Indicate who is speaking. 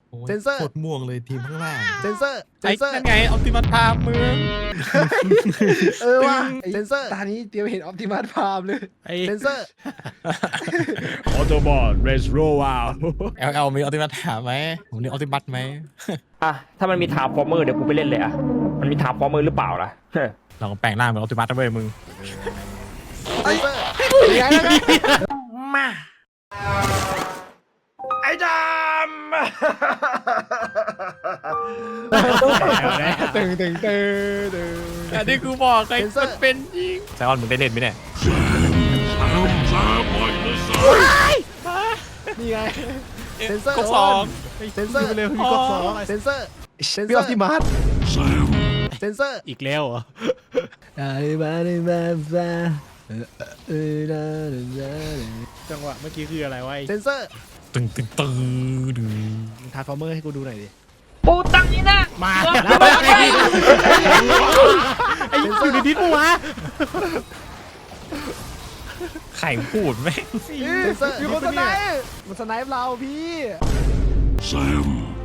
Speaker 1: เซนเซอร์
Speaker 2: โคตรม่วงเลยทีมข้างล่าง
Speaker 1: เซนเซอร์เซ
Speaker 3: ไอ้
Speaker 1: นเซอร์
Speaker 3: นั่นไงออปติมัสพามมึง
Speaker 4: ว่ะ
Speaker 1: เซนเซอร์
Speaker 4: ตานี้เตรียมเห็นออปติมัสพามเลย
Speaker 3: ไอ้
Speaker 1: เซนเซอร์
Speaker 3: ออโตบอลเรสโรวาวเอลมีออปติมัสถามไหมผมนี่ออปติมัสไหม
Speaker 5: อ่ะถ้ามันมีทาร์ฟอร์เมอร์เดี๋ยวกูไปเล่นเลยอ่ะมันมีทาร์ฟอร์เมอร์หรือเปล่าล่ะ
Speaker 3: เราก็แปลงร่างเป็นออปติมัสนะเว้ยมึง
Speaker 1: เซนเซอร์
Speaker 5: มาไอ้ดำ
Speaker 4: ตึงตึงตึง
Speaker 3: อันนี้กูบอกไงมันเป็นจริงไซออนมึงได้เล่นไหมเนี่ย
Speaker 4: นี่ไง
Speaker 1: เซนเซอร์
Speaker 3: ก๊อกสอง
Speaker 1: เซนเซอร์
Speaker 4: เร็วมีกดสอง
Speaker 1: เซนเซอร์เซน
Speaker 4: มี
Speaker 1: เซ
Speaker 4: อ
Speaker 1: อ
Speaker 4: อปติ
Speaker 1: ร์
Speaker 4: มัส
Speaker 1: เซนเซอร์
Speaker 3: อีกแล้วเหรอ จังหวะเมื่อกี้คืออะไรวะ
Speaker 1: เซนเซอร์
Speaker 3: ตึงตึงตึงดึง
Speaker 4: ทาร์ฟอร์เมอร์ให้กูดูหน่อยดิ
Speaker 5: ปูตังนี่นะ
Speaker 3: มาแล้วไอ้อยู่ในดิสปะวะไข่พูดไหม
Speaker 1: เซนเซอร์
Speaker 4: มีคนสไนป์มันสไนป์เราพี่
Speaker 6: Sam.